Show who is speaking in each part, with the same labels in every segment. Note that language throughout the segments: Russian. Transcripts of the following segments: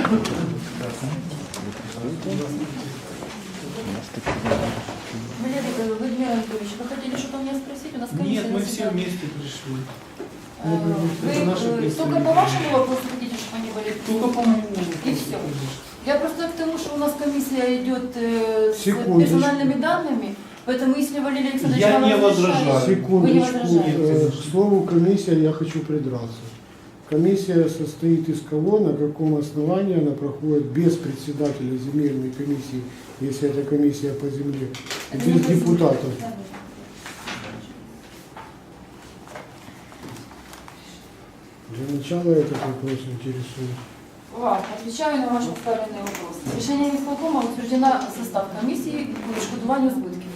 Speaker 1: Валерий Владимир Анатольевич, вы хотели что-то у меня спросить? У нас комиссия.
Speaker 2: Нет, мы все вместе пришли.
Speaker 1: Вы только по вашему вопросу хотите, чтобы они были?
Speaker 2: Только по моему.
Speaker 1: И все. Я просто к тому, что у нас комиссия идет с
Speaker 3: Секундочку.
Speaker 1: персональными данными, поэтому если Валерий Александрович
Speaker 2: Я
Speaker 1: вам
Speaker 2: не
Speaker 1: разрешает,
Speaker 2: возражаю.
Speaker 1: вы не
Speaker 3: Секундочку,
Speaker 1: возражаете.
Speaker 3: к слову комиссия, я хочу придраться. Комиссия состоит из кого, на каком основании она проходит без председателя земельной комиссии, если это комиссия по земле,
Speaker 1: Это
Speaker 3: без
Speaker 1: не по
Speaker 3: депутатов.
Speaker 1: земле. Да.
Speaker 3: Для начала этот вопрос интересует.
Speaker 1: Отвечаю на ваш поставленный вопрос. Решением исполкома утверждена состав комиссии по відшкодуванню збитків.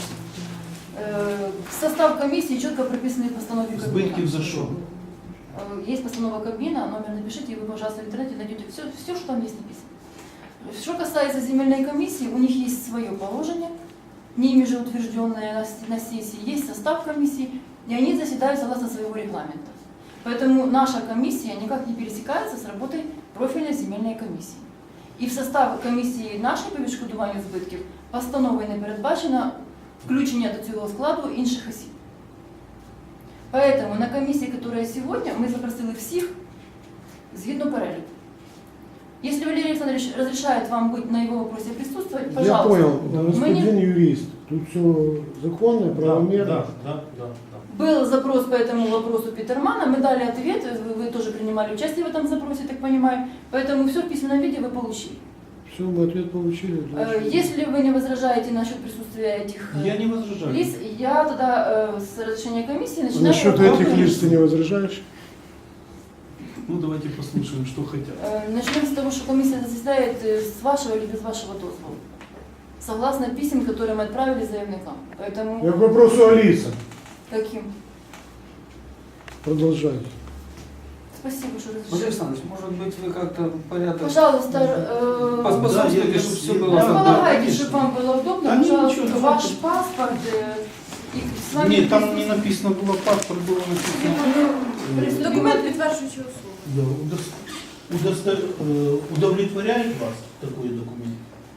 Speaker 1: Состав комиссии четко прописаны в постанове Кабмина.
Speaker 2: Збитків за що?
Speaker 1: Есть постанова Кабмина, номер напишите, и вы, пожалуйста, в интернете найдете все, что там есть написано. Что касается земельной комиссии, у них есть свое положение, ними же утвержденное на сессии, есть состав комиссии, и они заседают согласно своего регламента. Поэтому наша комиссия никак не пересекается с работой профильной земельной комиссии. І в состав комісії нашої по відшкодуванню збитків постановою не передбачено включення до цього складу інших осіб. Поэтому на комиссии, которая сегодня, мы запросили всех згідно переліку. Если Валерий Александрович разрешает вам быть на его вопросе присутствовать,
Speaker 3: Я
Speaker 1: пожалуйста.
Speaker 3: понял, господин юрист, тут все законно, правомерно.
Speaker 2: Да.
Speaker 1: Был запрос по этому вопросу Питермана, мы дали ответ, вы тоже принимали участие в этом запросе, так понимаю, поэтому все в письменном виде вы получили.
Speaker 3: Все, мы ответ получили.
Speaker 1: Если вы не возражаете насчет присутствия этих
Speaker 2: Я не возражаю.
Speaker 1: лиц, я тогда с разрешения комиссии начинаю...
Speaker 3: Насчет этих лиц ты не возражаешь?
Speaker 2: Ну давайте послушаем, что хотят.
Speaker 1: Начнем с того, что комиссия заседает с вашего или без вашего дозвола. Согласно писем, которые мы отправили заявникам. Поэтому...
Speaker 3: Я к вопросу о лицах.
Speaker 1: Каким?
Speaker 3: Продолжайте.
Speaker 1: Спасибо, что
Speaker 4: Владимир
Speaker 1: разрешили.
Speaker 4: Александрович, может быть, вы как-то порядок
Speaker 1: Пожалуйста,
Speaker 4: поспособствуете,
Speaker 2: Да,
Speaker 4: чтобы все было
Speaker 1: располагайте,
Speaker 2: конечно.
Speaker 1: чтобы вам было удобно.
Speaker 2: Да,
Speaker 1: Пожалуйста,
Speaker 2: ничего,
Speaker 1: ваш
Speaker 2: давайте.
Speaker 1: паспорт. И с вами
Speaker 2: Нет, там не написано было паспорт, было написано.
Speaker 1: Документ підтверджуючий особу.
Speaker 2: Да, удовлетворяет вас такой документ?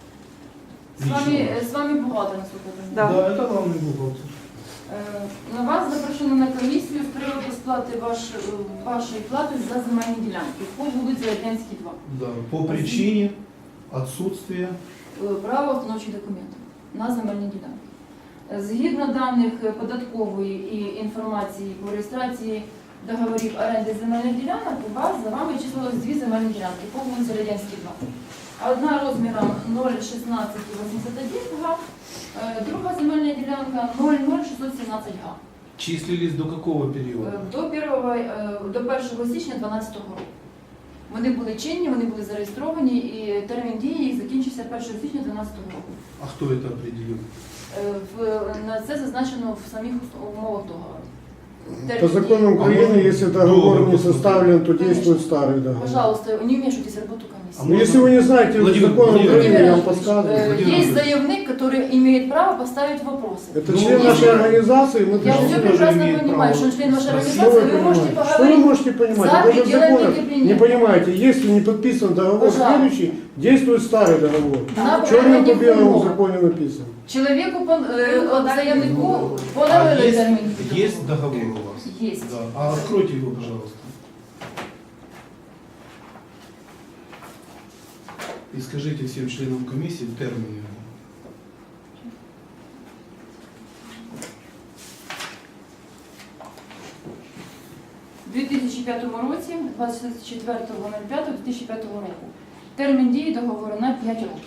Speaker 1: С вами бухгалтер, насколько я
Speaker 2: Да,
Speaker 1: понимаю.
Speaker 2: это главный бухгалтер.
Speaker 1: На вас запрошено на комісію з приводу сплати вашої плати за земельні ділянки по вулиці Радянській, 2.
Speaker 2: Да, по причине отсутствия.
Speaker 1: Право установчих документів на земельні ділянки. Згідно даних податкової і інформації по реєстрації договорів оренди земельних ділянок, у вас за вами числилось 2 земельні ділянки по вулиці Радянській, 2. Одна розміром 0,1681 га, друга земельна ділянка 0,0617 га.
Speaker 2: Числились до какого периода?
Speaker 1: До 1 січня 2012 року. Вони були чинні, вони були зареєстровані і термін дії їх закінчився 1 січня 2012 року.
Speaker 2: А кто это определил?
Speaker 1: На це зазначено в самих умовах договору.
Speaker 3: По закону Украины, если договор не составлен, то действует старый договор.
Speaker 1: Пожалуйста, не вмешивайтесь в работу комиссии.
Speaker 3: Ну, если вы не знаете
Speaker 2: Владимир,
Speaker 3: закон
Speaker 2: Владимир,
Speaker 3: Украины, я вам
Speaker 1: Владимир
Speaker 3: подсказываю.
Speaker 2: Владимир
Speaker 1: Есть
Speaker 2: Владимирович.
Speaker 1: заявник, который имеет право поставить вопросы.
Speaker 3: Это
Speaker 2: Ну,
Speaker 3: член
Speaker 2: если-
Speaker 3: нашей организации, мы
Speaker 1: Я
Speaker 3: пришли.
Speaker 1: все
Speaker 2: тоже
Speaker 1: прекрасно
Speaker 2: имеет
Speaker 1: понимаю,
Speaker 2: право
Speaker 1: что он член вашей
Speaker 2: спросить.
Speaker 3: Что
Speaker 1: организации,
Speaker 3: вы
Speaker 1: вы можете
Speaker 3: понимаете? Что вы
Speaker 1: поговорить.
Speaker 3: можете понимать?
Speaker 1: за
Speaker 3: Даже в
Speaker 1: пределами
Speaker 3: законах
Speaker 1: кабинета.
Speaker 3: не понимаете, если не подписан договор
Speaker 1: Пожалуйста.
Speaker 3: следующий, действует старый договор.
Speaker 1: На
Speaker 3: Черным по
Speaker 1: правильных
Speaker 3: белому в
Speaker 1: умовах.
Speaker 3: законе написано.
Speaker 1: Человеку, заявнику,
Speaker 2: А
Speaker 1: подали
Speaker 2: есть,
Speaker 1: термин.
Speaker 2: есть договор у вас?
Speaker 1: Есть.
Speaker 2: Да. А откройте его, пожалуйста. И скажите всем членам комиссии термины.
Speaker 1: У 2005 році, 24.05.2005 року. Термін дії договору на 5 років.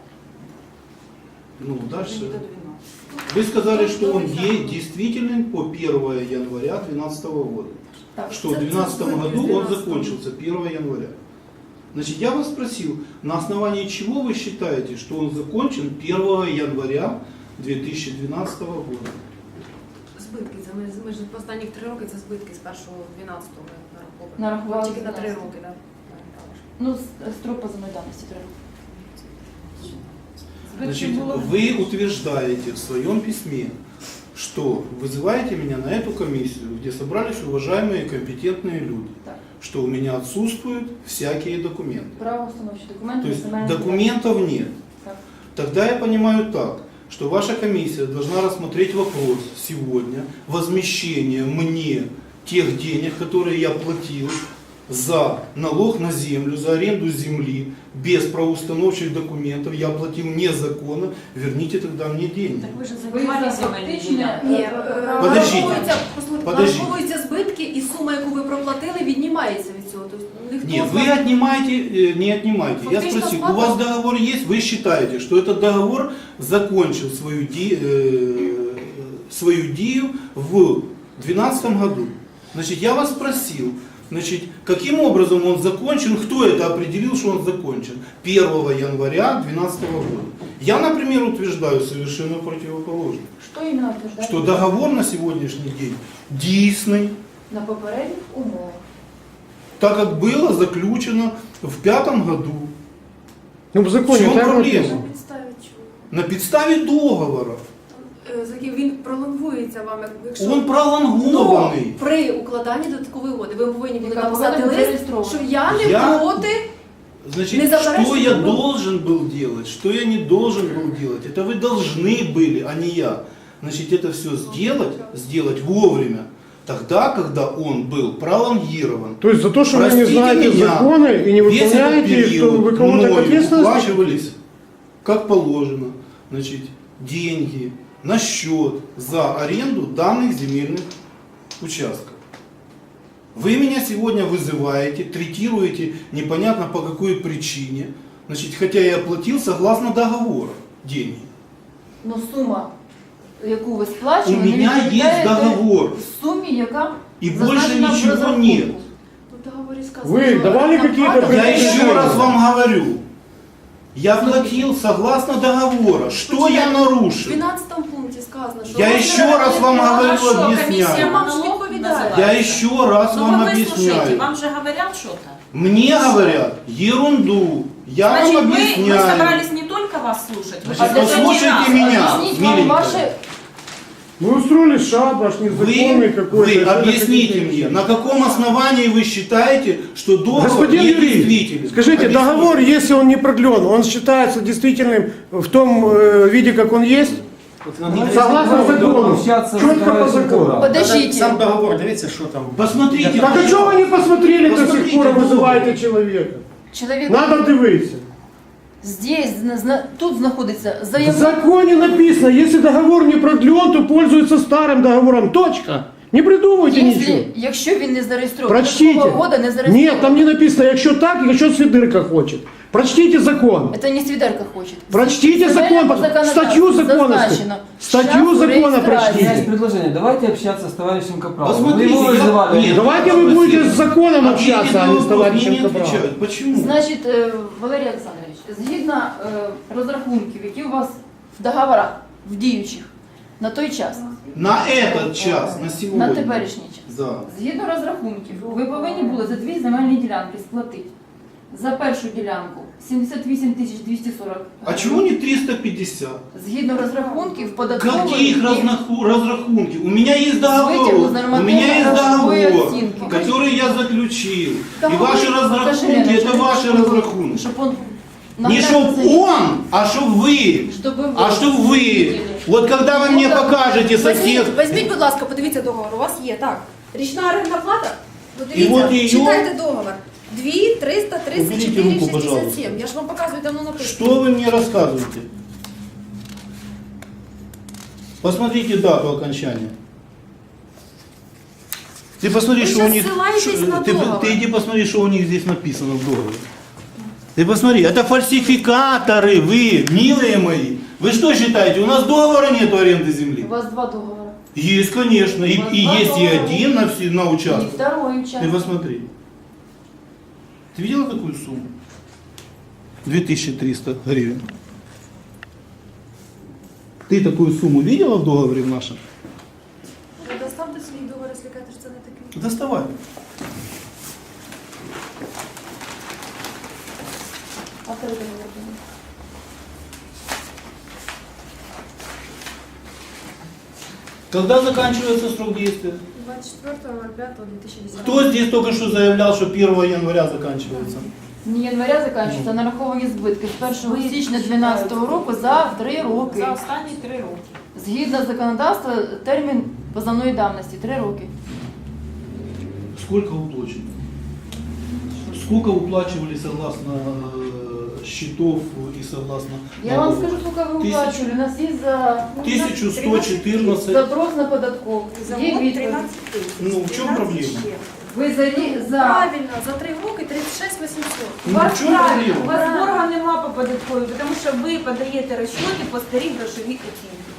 Speaker 2: Ну, дальше.
Speaker 1: До 12.
Speaker 2: Вы сказали, что он действителен по 1 января 2012 года.
Speaker 1: Так,
Speaker 2: Что в 2012 году он закончился 1 января. Значит, я вас спросил, на основании чего вы считаете, что он закончен 1 января 2012 года?
Speaker 5: Збитки, ми ж останніх 3 роки це збитки з 1.12 нараховані.
Speaker 1: Нарахували
Speaker 5: Тільки на 3
Speaker 1: 12.
Speaker 5: роки, так.
Speaker 1: Ну, строк по замайданності 3 роки.
Speaker 2: Значит,
Speaker 1: Збитків було-
Speaker 2: вы утверждаете в своем письме, что вызываете меня на эту комиссию, где собрались уважаемые и компетентные люди.
Speaker 1: Так.
Speaker 2: что у меня отсутствуют всякие документы.
Speaker 1: Правоустановчі документи.
Speaker 2: То есть
Speaker 1: земельні
Speaker 2: документов нет.
Speaker 1: Так.
Speaker 2: Тогда я понимаю так, что ваша комиссия должна рассмотреть вопрос сегодня возмещения мне тех денег, которые я платил за налог на землю, за аренду земли, без правоустановчих документов, я платил незаконно, верните тогда мне деньги.
Speaker 6: Так ви ж
Speaker 1: Ви
Speaker 6: займали
Speaker 1: за
Speaker 6: земельні
Speaker 1: фактичне,
Speaker 6: ділянки.
Speaker 5: Ні,
Speaker 2: Подождіть. Подождіть.
Speaker 5: нараховуються збитки і сума, яку ви проплатили, віднімається від цього. Тобто ніхто
Speaker 2: Нет,
Speaker 5: з
Speaker 2: вы
Speaker 5: вас-
Speaker 2: отнимаете, не отнимаете. Я
Speaker 5: Фактично
Speaker 2: спросил, у
Speaker 5: сплата.
Speaker 2: вас договор есть, вы считаете, что этот договор закончил свою дию в 2012 году. Значит, я вас спросил, значит, каким образом он закончен, кто это определил, что он закончен 1 января 2012 года. Я, например, утверждаю совершенно противоположно,
Speaker 1: Що іменно утверждає?
Speaker 2: что договор на сегодняшний день действенный,
Speaker 1: На попередніх умовах.
Speaker 2: так как было заключено в 2005 году.
Speaker 3: Ну, в законе
Speaker 2: В чому
Speaker 3: так
Speaker 2: проблема?
Speaker 3: написано.
Speaker 5: На підставі чого?
Speaker 2: На підставі договора.
Speaker 5: За яким він пролонгується вам, якщо
Speaker 2: Он пролонгований.
Speaker 5: Но при укладанні додаткової угоди ви повинні були
Speaker 1: Яка
Speaker 5: написати
Speaker 1: повинна бути
Speaker 5: лист,
Speaker 1: зареєстрована.
Speaker 5: що я не
Speaker 2: Я-
Speaker 5: проти.
Speaker 2: Значит,
Speaker 5: Не заперечуйте,
Speaker 2: что я
Speaker 5: но-
Speaker 2: должен был делать, что я не должен был делать, это вы должны были, а не я. Значит, это все сделать вовремя, тогда, когда он был пролонгирован.
Speaker 3: То есть за то, что вы не
Speaker 2: Простите
Speaker 3: знаете
Speaker 2: меня,
Speaker 3: законы и не
Speaker 2: Весь этот
Speaker 3: выполняете их, то
Speaker 2: период
Speaker 3: вы кого-то к
Speaker 2: мною
Speaker 3: ответственности?
Speaker 2: выплачивались, как положено, значит, деньги на счет за аренду данных земельных участков. Вы меня сегодня вызываете, третируете непонятно по какой причине, значит, хотя я платил согласно договору деньги.
Speaker 1: Ну сума, яку ви
Speaker 2: У
Speaker 1: сплачували, не
Speaker 2: меня
Speaker 1: відповідає
Speaker 2: есть договор,
Speaker 1: сумі, яка
Speaker 2: и больше
Speaker 1: зазначена в
Speaker 2: ничего
Speaker 1: розрахунку.
Speaker 2: нет.
Speaker 5: Ну, в договорі сказано,
Speaker 3: Ви
Speaker 5: що
Speaker 3: давали
Speaker 5: там
Speaker 3: какие-то
Speaker 5: плата-
Speaker 2: Я
Speaker 3: предупреждения?
Speaker 2: еще раз вам говорю, я платил согласно договору. Что я
Speaker 5: Почекайте, В
Speaker 2: нарушил?
Speaker 5: 12 пункті сказано, що...
Speaker 2: Я еще раз вам говорю,
Speaker 6: Хорошо,
Speaker 2: объясняю.
Speaker 6: комісія
Speaker 5: Вам ж
Speaker 6: налог
Speaker 5: відповідає.
Speaker 2: Я
Speaker 6: називається.
Speaker 2: еще раз
Speaker 6: Ну
Speaker 2: вам
Speaker 6: вы выслушайте,
Speaker 2: объясняю.
Speaker 6: вам же говорят что-то.
Speaker 2: Мне говорят ерунду. Я
Speaker 6: Значит,
Speaker 2: вам
Speaker 6: мы
Speaker 2: объясняю.
Speaker 6: собрались не только вас слушать, вы
Speaker 2: Значит,
Speaker 6: же
Speaker 2: послушайте
Speaker 6: нас.
Speaker 2: меня.
Speaker 1: Об'ясніть вам
Speaker 2: миленькая.
Speaker 1: ваше...
Speaker 3: Вы устроили шабаш незаконный какой-то.
Speaker 2: Вы
Speaker 3: что-то
Speaker 2: объясните
Speaker 3: хотите.
Speaker 2: мне, на каком основании вы считаете, что договор
Speaker 3: Господин юрист,
Speaker 2: недействителен?
Speaker 3: скажите,
Speaker 2: Объясните.
Speaker 3: договор, если он не продлен, он считается действительным в том виде, как он есть? Согласно закону. Четко по закону.
Speaker 1: Подождите.
Speaker 7: Сам договор, дивіться, що там.
Speaker 2: Посмотрите.
Speaker 3: Так а что вы не посмотрели до сих
Speaker 2: Посмотрите
Speaker 3: пор,
Speaker 2: договор.
Speaker 3: вызываете человека?
Speaker 1: Чоловік
Speaker 3: Надо дивитися.
Speaker 1: здесь, тут знаходиться
Speaker 3: В
Speaker 1: заявник.
Speaker 3: законе написано, если договор не продлен, то пользуется старым договором. Точка. Не придумывайте ничего.
Speaker 1: Якщо він не зареєстрований,
Speaker 3: Прочтите.
Speaker 1: такого года не зареєстрований.
Speaker 3: Нет, там не написано, якщо так, якщо Свидирка хочет. Прочтите закон.
Speaker 1: Это не Свидерка хочет.
Speaker 3: Прочтите
Speaker 1: В
Speaker 3: закон,
Speaker 1: земельному законодавстві
Speaker 3: статью закона.
Speaker 1: зазначено.
Speaker 3: Статью
Speaker 1: Шляху
Speaker 3: закона
Speaker 1: реєстрації.
Speaker 3: прочтите.
Speaker 4: Есть предложение. Давайте общаться с товарищем Капралом.
Speaker 2: Посмотрите,
Speaker 4: Вы его
Speaker 2: я-
Speaker 4: вызывали.
Speaker 2: Нет.
Speaker 3: Давайте вы будете с законом
Speaker 2: Ответите
Speaker 3: общаться, а
Speaker 2: на
Speaker 3: не с
Speaker 2: вопрос, мне
Speaker 3: товарищем
Speaker 2: не
Speaker 3: Капралом.
Speaker 2: отвечают. Почему?
Speaker 1: Значить, Валерій Олександрович, згідно розрахунків, які у вас в договорах, в діючих, на той час,
Speaker 2: На этот час, на сегодня.
Speaker 1: на теперішній час,
Speaker 2: Да.
Speaker 1: згідно розрахунків, ви повинні були за дві земельні ділянки сплатити. За першу ділянку 78 240
Speaker 2: А чего не 350?
Speaker 1: Згідно розрахунків, податкової
Speaker 2: Каких разрахунков? У меня есть договор.
Speaker 1: Вытягу
Speaker 2: У
Speaker 1: за
Speaker 2: меня есть
Speaker 1: нормативно-грошовой
Speaker 2: договор,
Speaker 1: оценки.
Speaker 2: который я заключил. И
Speaker 1: Договор,
Speaker 2: ваши
Speaker 1: покажи,
Speaker 2: разрахунки,
Speaker 1: Лена,
Speaker 2: это ваши разрахунки.
Speaker 1: Щоб он
Speaker 2: Не чтоб он, а чтоб вы.
Speaker 1: Щоб ви
Speaker 2: А чтоб вы. Вот когда вы мне покажете сосед.
Speaker 5: Візьміть, будь ласка, подивіться договор. У вас є, так. Річна орендна плата?
Speaker 2: І от її-
Speaker 5: читайте договор. 2
Speaker 2: Уберите
Speaker 5: 334
Speaker 2: руку, пожалуйста.
Speaker 5: 67. Я ж вам показую, там воно написано.
Speaker 2: Что вы мне рассказываете? Посмотрите дату окончания. Ты посмотри,
Speaker 5: Вы
Speaker 2: что у
Speaker 5: щас
Speaker 2: них.
Speaker 5: ссылаетесь на договор.
Speaker 2: Ты иди посмотри, что у них здесь написано в договоре. Ты посмотри, это фальсификаторы, вы, милые мои. Вы что считаете, у нас договора нет аренды
Speaker 1: У
Speaker 2: земли?
Speaker 1: вас два договора.
Speaker 2: Есть, конечно. И есть и один на
Speaker 1: И
Speaker 2: участок.
Speaker 1: второй
Speaker 2: Ты
Speaker 1: участок.
Speaker 2: посмотри. Ты видела такую сумму? 2300 гривен. Ты такую сумму видела в договоре в нашем?
Speaker 5: Ви доставте свій договор, якщо кажете, що це не такий.
Speaker 2: Доставай.
Speaker 1: А второй договор был?
Speaker 2: Когда заканчивается срок действия?
Speaker 5: 20 24.05.2010.
Speaker 2: Кто здесь только что заявлял, что 1 января заканчивается?
Speaker 1: Не января закінчується, а нараховані збитки з 1 січня 2012 року за 3 роки.
Speaker 6: За останні 3 роки.
Speaker 1: Згідно законодавства, термін позовної давності 3 роки.
Speaker 2: Сколько уплачено? Сколько уплачивали согласно счетов и согласно...
Speaker 1: Я вам
Speaker 2: налогов?
Speaker 1: скажу, сколько вы
Speaker 2: 1000.
Speaker 1: уплачивали. У нас есть за
Speaker 2: 1114.
Speaker 1: запрос на податковый. Є відповідь.
Speaker 2: Ну, в чем проблема?
Speaker 1: Ви за...
Speaker 5: Правильно, за 3 роки 36 800.
Speaker 1: У
Speaker 2: Ну,
Speaker 1: вас
Speaker 2: в чому
Speaker 1: правильно,
Speaker 2: проблема?
Speaker 1: у
Speaker 6: У
Speaker 1: вас
Speaker 6: вас борга нема по податковій, тому що ви подаєте розчоти по старій грошовій оцінці.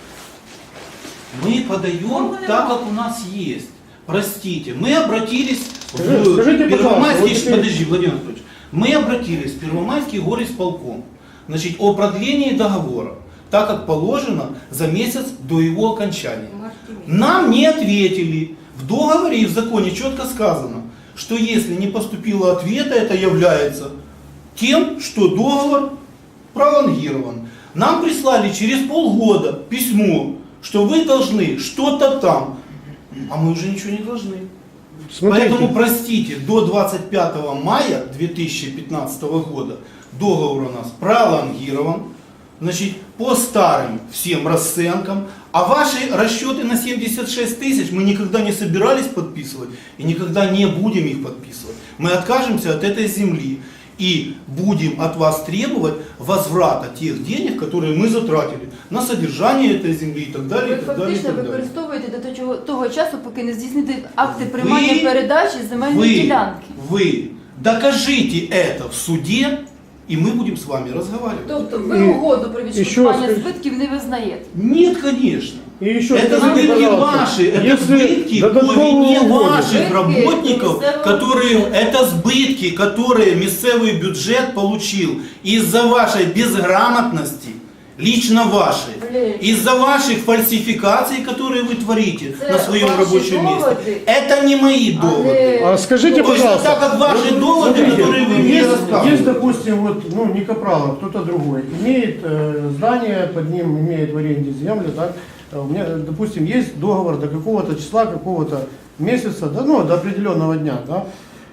Speaker 2: Мы подаем
Speaker 6: Формулы
Speaker 2: так,
Speaker 6: мало.
Speaker 2: как у нас есть. Простите, мы обратились
Speaker 3: Скажите,
Speaker 2: в
Speaker 3: пожалуйста,
Speaker 2: Первомайский...
Speaker 3: вот теперь-
Speaker 2: Подожди, Владимир Анатольевич. Мы обратились в Первомайский горисполком, значит, о продлении договора, так как положено за месяц до его окончания. Нам не ответили. В договоре и в законе четко сказано, что если не поступило ответа, это является тем, что договор пролонгирован. Нам прислали через полгода письмо, что вы должны что-то там, а мы уже ничего не должны.
Speaker 3: Смотрите,
Speaker 2: Поэтому, простите, до 25 мая 2015 года договор у нас пролонгирован, значит, по старым всем расценкам, а ваши расчеты на 76 тысяч мы никогда не собирались подписывать и никогда не будем их подписывать. Мы откажемся от этой земли и будем от вас требовать возврата тех денег, которые мы затратили на содержание этой земли и так далее.
Speaker 1: ви
Speaker 2: И так далее, и
Speaker 1: фактично
Speaker 2: так далее.
Speaker 1: використовуєте до того часу, поки не здійснити акти приймання
Speaker 2: Ви-
Speaker 1: передачі земельної ділянки.
Speaker 2: Вы докажите это в суде, и мы будем с вами разговаривать.
Speaker 1: Тобто ви
Speaker 3: І-
Speaker 1: угоду про
Speaker 3: і що
Speaker 1: відшкодування
Speaker 3: скажіть?
Speaker 1: збитків не визнаєте.
Speaker 2: Нет, конечно.
Speaker 3: и еще
Speaker 2: Это
Speaker 3: скажите,
Speaker 2: сбытки
Speaker 3: пожалуйста,
Speaker 2: ваши, это
Speaker 3: если
Speaker 2: сбытки по
Speaker 3: додаткового
Speaker 2: вине
Speaker 3: угоду-
Speaker 2: ваших
Speaker 1: Сбытки
Speaker 2: работников,
Speaker 1: местного
Speaker 2: которые,
Speaker 1: бюджета.
Speaker 2: это сбытки, которые местный бюджет получил из-за вашей безграмотности, лично вашей,
Speaker 1: Валерий.
Speaker 2: из-за ваших фальсификаций, которые вы творите
Speaker 1: Это
Speaker 2: на своем
Speaker 1: ваши
Speaker 2: рабочем месте.
Speaker 1: доводы,
Speaker 2: Это не мои
Speaker 1: а
Speaker 2: доводы.
Speaker 1: не-
Speaker 3: А скажите,
Speaker 2: Точно
Speaker 3: пожалуйста,
Speaker 2: так, как ваши доводы,
Speaker 3: смотрите,
Speaker 2: которые вы мне
Speaker 3: есть,
Speaker 2: рассказываете.
Speaker 3: допустим, вот, ну, не Капралов, кто-то другой, имеет здание, под ним имеет в аренде землю, так? У меня, допустим, есть договор до какого-то числа, какого-то месяца, да, ну, до определенного дня, да?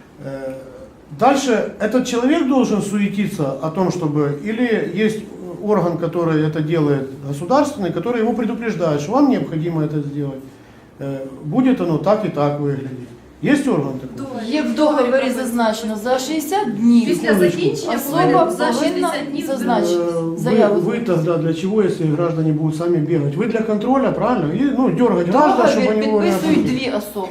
Speaker 3: Дальше этот человек должен суетиться о том, чтобы, или есть орган, который это делает, государственный, который его предупреждает, что вам необходимо это сделать. Будет оно так и так выглядеть. Есть орган такой?
Speaker 1: Є в договорі зазначено за 60 днів.
Speaker 5: Після закінчення
Speaker 1: Особа
Speaker 5: повинен за
Speaker 1: повинна
Speaker 5: 60 днів
Speaker 1: зазначити
Speaker 3: Вы,
Speaker 1: заяву.
Speaker 3: вы тогда для чего, если граждане будут сами бегать? Вы для контроля, правильно? И, ну, дергать граждан, чтобы
Speaker 1: Договір
Speaker 3: они вовремя
Speaker 1: підписують
Speaker 3: платили.
Speaker 1: дві особи.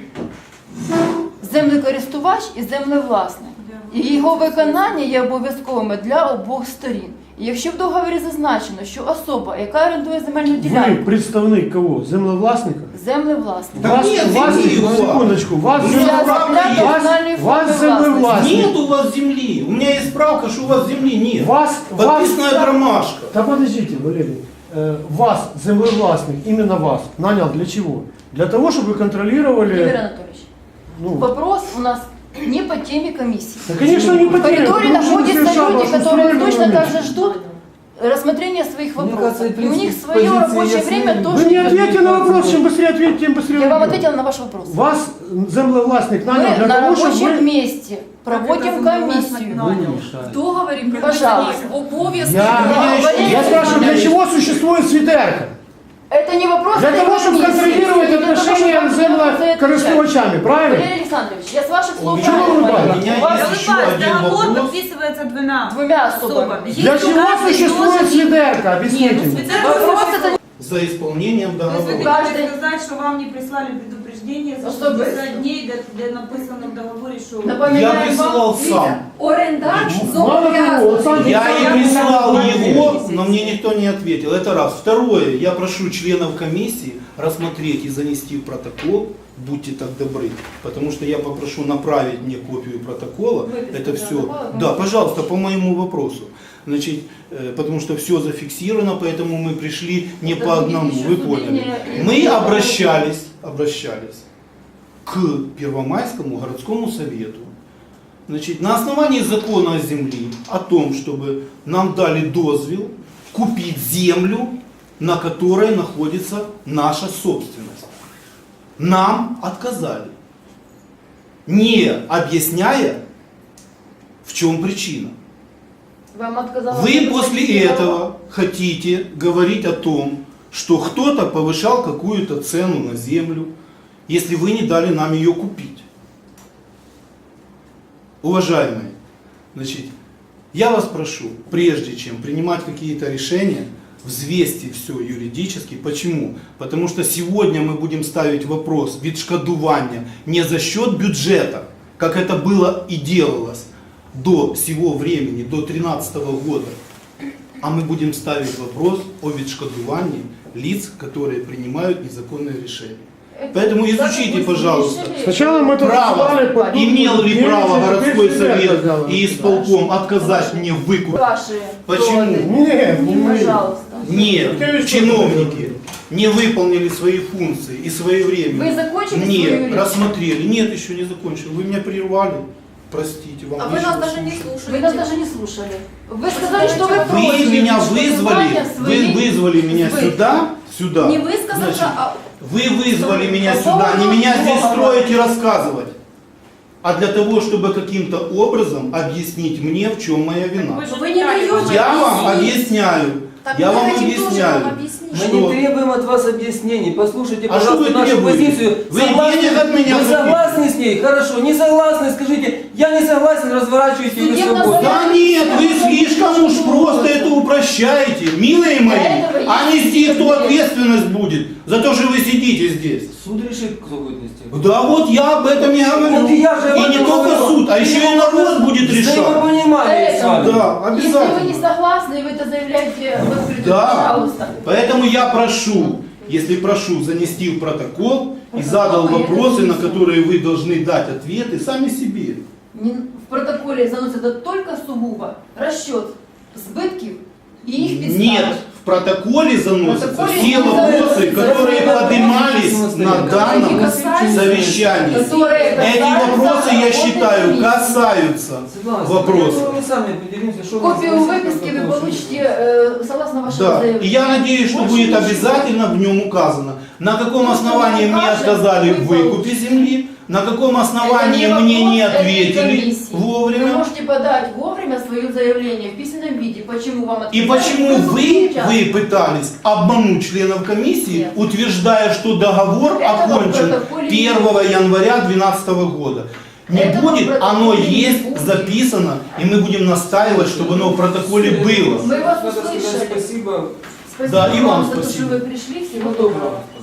Speaker 1: Землекористувач і землевласник. І його виконання є обов'язковими для обох сторін. І якщо в договорі зазначено, що особа, яка орендує земельну
Speaker 3: Вы
Speaker 1: ділянку,
Speaker 3: представник кого? Землевластника?
Speaker 1: землевласник,
Speaker 2: Да нет,
Speaker 3: вас,
Speaker 2: земли у вас.
Speaker 3: секундочку, вас,
Speaker 2: Для
Speaker 1: для
Speaker 2: землевластника
Speaker 1: комунальної
Speaker 3: вас
Speaker 1: форми
Speaker 3: землевласник.
Speaker 1: власності.
Speaker 2: Нет у вас земли. У меня есть справка, что у вас земли нет.
Speaker 3: вас,
Speaker 2: Подписанная бумажка.
Speaker 3: Да подождите, Валерий. Вас, землевластник, именно вас, нанял для чего? Для того, чтобы вы контролировали...
Speaker 1: Игорь Анатольевич,
Speaker 3: Ну,
Speaker 1: вопрос у нас не по теме комиссии.
Speaker 3: да, конечно, не
Speaker 1: В
Speaker 3: потерял.
Speaker 1: коридоре
Speaker 3: потому что
Speaker 1: находятся
Speaker 3: совершал
Speaker 1: люди,
Speaker 3: вашу
Speaker 1: которые
Speaker 3: суверенную
Speaker 1: точно так
Speaker 3: миссию.
Speaker 1: же ждут рассмотрения своих
Speaker 4: Мне
Speaker 1: вопросов.
Speaker 4: кажется, в
Speaker 1: И у них
Speaker 4: принципе,
Speaker 1: свое
Speaker 4: позиция
Speaker 1: рабочее
Speaker 4: ясна.
Speaker 1: время
Speaker 4: Вы
Speaker 1: тоже.
Speaker 3: Вы не ответьте на вопрос, чем быстрее ответите, тем быстрее
Speaker 1: Я вам
Speaker 3: уйдем.
Speaker 1: ответила на ваш вопрос.
Speaker 3: Вас землевластник нанял
Speaker 1: Мы
Speaker 3: для
Speaker 1: на
Speaker 3: того, чтобы
Speaker 1: рабочем
Speaker 3: вы...
Speaker 1: месте проводим комиссию.
Speaker 4: Вы не мешаете.
Speaker 5: В договорі
Speaker 1: Пожалуйста.
Speaker 5: прописані обов'язки.
Speaker 3: Я спрашиваю, для чего существует свитерка?
Speaker 1: Это не вопрос
Speaker 3: Для
Speaker 1: этой
Speaker 3: того, чтобы
Speaker 1: комиссии.
Speaker 3: контролировать
Speaker 1: Для того,
Speaker 3: отношения
Speaker 1: чтобы
Speaker 3: с
Speaker 1: вы за это отвечали.
Speaker 3: землекористувачами, правильно?
Speaker 1: Валерий Александрович, я с ваших слов
Speaker 3: Чего вы
Speaker 1: правильно
Speaker 3: улыбаетесь?
Speaker 1: поняла.
Speaker 2: У меня
Speaker 1: У вас
Speaker 2: есть еще один
Speaker 6: Договор
Speaker 2: вопрос.
Speaker 6: подписывается двумя
Speaker 1: особами.
Speaker 3: Для
Speaker 6: Если
Speaker 3: чего
Speaker 6: каждый
Speaker 3: существует
Speaker 6: должен-
Speaker 3: свитерка?
Speaker 6: Нет,
Speaker 3: Объясните
Speaker 6: ну
Speaker 3: мне.
Speaker 6: свитерка
Speaker 1: Вопрос
Speaker 6: существует.
Speaker 1: это
Speaker 2: За исполнением
Speaker 6: То есть вы
Speaker 2: договора.
Speaker 6: хотите
Speaker 1: Каждый-
Speaker 6: сказать, что вам не прислали предупреждение за
Speaker 1: Особо.
Speaker 6: 60 дней, где написано в договоре, что...
Speaker 2: Я
Speaker 1: напоминаем
Speaker 2: присылал
Speaker 1: вам.
Speaker 2: сам.
Speaker 5: Орендар
Speaker 3: Мало того, он сам
Speaker 5: зобов'язаний.
Speaker 2: Я
Speaker 3: Я
Speaker 2: и прислал
Speaker 3: не
Speaker 2: его,
Speaker 3: знаю.
Speaker 2: но мне никто не ответил. Это раз. Второе, я прошу членов комиссии рассмотреть и занести в протокол, будьте так добры, потому что я попрошу направить мне копию протокола.
Speaker 1: Выписку
Speaker 2: Это все.
Speaker 1: протокола,
Speaker 2: Да, пожалуйста, по моему вопросу. Значит, потому что все зафиксировано, поэтому мы пришли не
Speaker 1: Это
Speaker 2: по
Speaker 1: будет
Speaker 2: одному,
Speaker 1: еще
Speaker 2: вы
Speaker 1: суды
Speaker 2: поняли.
Speaker 1: не-
Speaker 2: Мы обращались к Первомайскому городскому совету. Значит, на основании закона о земле, о том, чтобы нам дали дозвел купить землю, на которой находится наша собственность. нам отказали, не объясняя, в чем причина.
Speaker 1: Вам отказала
Speaker 2: Вы
Speaker 1: Ольга
Speaker 2: после
Speaker 1: Алексеевна.
Speaker 2: этого хотите говорить о том, что кто-то повышал какую-то цену на землю, если вы не дали нам ее купить. Уважаемые, значит, я вас прошу, прежде чем принимать какие-то решения, взвесьте все юридически. Почему? Потому что сегодня мы будем ставить вопрос відшкодування не за счет бюджета, как это было и делалось до сего времени, до 2013 года, а мы будем ставить вопрос о відшкодуванні лиц, которые принимают незаконные решения. Поэтому изучите, пожалуйста,
Speaker 3: Сначала мы это
Speaker 2: право,
Speaker 3: обсуждали, потом
Speaker 2: имел ли
Speaker 3: девять
Speaker 2: право
Speaker 3: человек
Speaker 2: городской
Speaker 3: сидят,
Speaker 2: совет
Speaker 3: казалось.
Speaker 2: и исполком отказать мне в выкупе.
Speaker 1: Ваши
Speaker 2: Почему?
Speaker 1: доводы.
Speaker 3: Нет, не мы.
Speaker 1: Пожалуйста.
Speaker 2: Нет, чиновники не выполнили свои функции и своевременно
Speaker 1: Вы закончили свою
Speaker 2: не
Speaker 1: речь?
Speaker 2: рассмотрели. Нет, еще не закончил. Вы меня прервали. Простите, вам
Speaker 5: А вы
Speaker 2: нечего
Speaker 5: нас даже не
Speaker 2: слушать.
Speaker 5: слушаете.
Speaker 1: Вы нас даже не слушали. Вы сказали, что вы
Speaker 2: Вы
Speaker 1: против
Speaker 2: меня вызвали,
Speaker 1: відшкодування
Speaker 2: вы
Speaker 1: своїх
Speaker 2: вызвали меня
Speaker 1: збитків.
Speaker 2: сюда.
Speaker 5: Не вы сказали,
Speaker 2: Значит,
Speaker 5: а
Speaker 2: Вы вызвали меня
Speaker 1: По
Speaker 2: сюда, не
Speaker 1: поводу
Speaker 2: меня здесь
Speaker 1: договора.
Speaker 2: строить и рассказывать, а для того, чтобы каким-то образом объяснить мне, в чем моя вина.
Speaker 5: вы не даете
Speaker 2: Я вам
Speaker 5: объяснить.
Speaker 2: объясняю.
Speaker 5: Так
Speaker 2: Я
Speaker 5: мы
Speaker 2: вам
Speaker 5: хотим тоже
Speaker 2: объясняю.
Speaker 5: вам объяснить.
Speaker 4: Мы
Speaker 2: Что?
Speaker 4: не требуем от вас объяснений. Послушайте,
Speaker 2: А что
Speaker 4: пожалуйста,
Speaker 2: вы
Speaker 4: нашу
Speaker 2: требуете?
Speaker 4: позицию.
Speaker 2: Вы денег от меня
Speaker 4: Вы
Speaker 2: хотите?
Speaker 4: согласны с ней? Хорошо. Не согласны? Скажите, я не согласен, разворачивайте и вы
Speaker 1: Судебно
Speaker 4: свободны.
Speaker 2: Да нет, вы слишком уж просто это упрощаете, милые мои.
Speaker 1: Для этого
Speaker 2: А
Speaker 1: есть
Speaker 2: нести кто
Speaker 1: судебный.
Speaker 2: ответственность будет за то, что вы сидите здесь?
Speaker 4: Суд решит, кто будет нести.
Speaker 2: Да вот я об этом и говорю.
Speaker 4: Вот и я же об
Speaker 2: И
Speaker 4: этом
Speaker 2: не только
Speaker 4: говорю.
Speaker 2: суд, а еще и народ будет решать.
Speaker 4: Взаимопонимание с вами.
Speaker 2: Да,
Speaker 1: Если вы не
Speaker 2: обязательно.
Speaker 1: согласны, вы это заявляете в открытую,
Speaker 2: Да.
Speaker 1: пожалуйста.
Speaker 2: Поэтому я прошу, если прошу занести в протокол и задал вопросы, на которые вы должны дать ответы сами себе.
Speaker 1: В протоколе заносится только сугубо расчет сбытков и их підстав.
Speaker 2: Нет, в протоколе заносятся
Speaker 1: протоколе
Speaker 2: все
Speaker 1: не
Speaker 2: вопросы,
Speaker 1: заносятся.
Speaker 2: которые
Speaker 1: Это
Speaker 2: поднимались на данном
Speaker 1: Они касаются-
Speaker 2: совещании.
Speaker 1: которые
Speaker 2: Эти
Speaker 1: касаются
Speaker 2: вопросы, я
Speaker 1: работы
Speaker 2: считаю,
Speaker 1: комиссии.
Speaker 2: касаются
Speaker 4: Светлана,
Speaker 2: вопросов.
Speaker 4: мы сами определимся, что
Speaker 1: Копию
Speaker 4: вы
Speaker 1: выписки вы получите согласно вашему
Speaker 2: Да,
Speaker 1: заявлению.
Speaker 2: и я надеюсь, что
Speaker 1: Больше
Speaker 2: будет
Speaker 1: ничего.
Speaker 2: обязательно в нем указано, на каком
Speaker 1: Ну,
Speaker 2: основании
Speaker 1: что мы
Speaker 2: мне
Speaker 1: укажем,
Speaker 2: отказали в
Speaker 1: вы
Speaker 2: выкупе
Speaker 1: получите.
Speaker 2: земли, на каком основании
Speaker 1: Это
Speaker 2: мне
Speaker 1: вопрос
Speaker 2: не
Speaker 1: этой
Speaker 2: ответили
Speaker 1: комиссии. Вы
Speaker 2: вовремя.
Speaker 1: можете подать вовремя свое заявление в письменном виде, почему вам
Speaker 2: И
Speaker 1: отказали.
Speaker 2: почему вы
Speaker 1: сейчас.
Speaker 2: пытались обмануть членов комиссии,
Speaker 1: Нет.
Speaker 2: утверждая, что договор
Speaker 1: Этого в
Speaker 2: окончен
Speaker 1: протоколе
Speaker 2: 1 января 2012 года. Не
Speaker 1: Этого в
Speaker 2: будет,
Speaker 1: протоколе
Speaker 2: оно
Speaker 1: не
Speaker 2: есть
Speaker 1: будет.
Speaker 2: записано, и мы будем настаивать, чтобы оно в протоколе было.
Speaker 1: Мы вас
Speaker 4: Надо сказать
Speaker 1: услышали.
Speaker 4: спасибо.
Speaker 1: Спасибо
Speaker 2: Да, и вам
Speaker 1: за то,
Speaker 2: спасибо.
Speaker 1: что вы пришли. Всего
Speaker 4: Всего доброго.
Speaker 1: доброго.